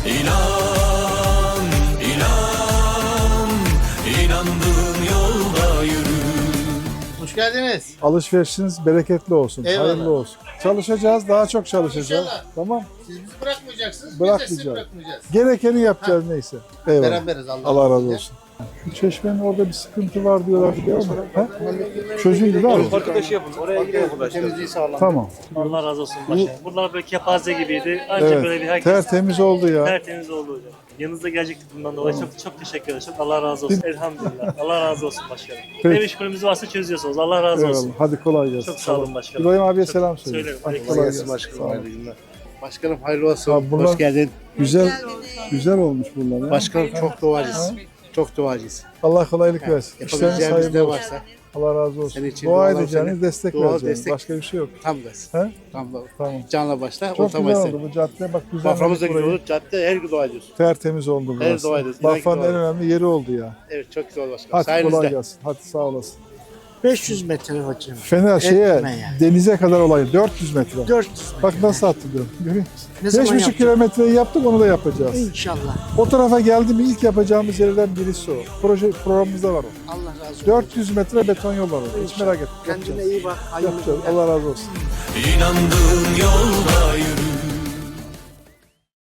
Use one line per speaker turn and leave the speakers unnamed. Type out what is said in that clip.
İnan, inan, inandığın yolda yürü.
Hoş geldiniz.
Alışverişiniz bereketli olsun,
Eyvallah.
hayırlı olsun. Çalışacağız, daha çok çalışacağız.
İnşallah.
Tamam.
Siz bizi bırakmayacaksınız, biz de
Bırakmayacağız.
sizi bırakmayacağız.
Gerekeni yapacağız neyse. Eyvallah.
Beraberiz Allah,
Allah razı olsun. Şu çeşmenin orada bir sıkıntı var diyorlar. Ha? Çocuğun gibi abi.
Arkadaşı yapın. Oraya gidiyor arkadaşlar.
Temizliği sağlam.
Tamam.
Allah razı olsun başkanım. Bunlar böyle kepaze gibiydi. Ancak
Evet.
böyle bir herkes
Tertemiz oldu ya.
tertemiz oldu hocam. Yanınızda gelecektik bundan dolayı. Çok teşekkür ederim. Çok Allah razı olsun. Elhamdülillah. Allah razı olsun başkanım.
Peki.
Ne işgalimiz varsa çözüyorsunuz. Allah razı olsun.
Eyvallah. Hadi kolay gelsin.
Çok sağ olun başkanım.
İbrahim abiye
Çok
selam söyle.
söylerim.
Hadi
Aleyküm
kolay
Gelsin
gelsin. Sağ
başkanım,
olun.
hayırlı günler. Başkanım hayırlı olsun.
Abi bunlar-
Hoş geldin.
Güzel olmuş bunlar ya.
Başkanım çok duacıyız. Çok duacıyız.
Allah kolaylık versin. İşleriniz
Yapabileceğimiz
hayırlı
ne
olsun.
varsa
Allah razı olsun.
Senin için
Dua
dualar
edeceğiniz,
senin.
destek
Dua,
vereceğiniz.
destek.
Başka bir şey yok.
tam gaz.
He?
Tam da.
Tamam.
Canla başla,
Çok
orta
güzel
başla.
oldu bu cadde. Bak
Baframız da
güzel.
güzel olur. Cadde her gün dua ediyoruz.
Tertemiz oldu
Her
burası.
dua ediyoruz. İnan ki
Bafra'nın
dua
en önemli yeri oldu ya.
Evet çok güzel başkanım.
Hadi kolay
Sayenizde.
gelsin. Hadi sağ olasın.
500 metre hocam.
Fener şeye
Etme yani.
denize kadar olayı 400 metre.
400 metre.
Bak nasıl hatırlıyorum. Görüyor musun?
Ne zaman
5,5
yapacağız?
kilometreyi yaptık, onu da yapacağız.
İnşallah.
O tarafa geldi mi ilk yapacağımız yerlerden birisi o. Programımızda var o.
Allah razı olsun.
400 metre beton yol var orada. Hiç merak etme.
Kendine
Yapacağız.
iyi bak. Hayırlı
Yapacağız.
günler.
Allah razı olsun.
İnandığın yolda yürü.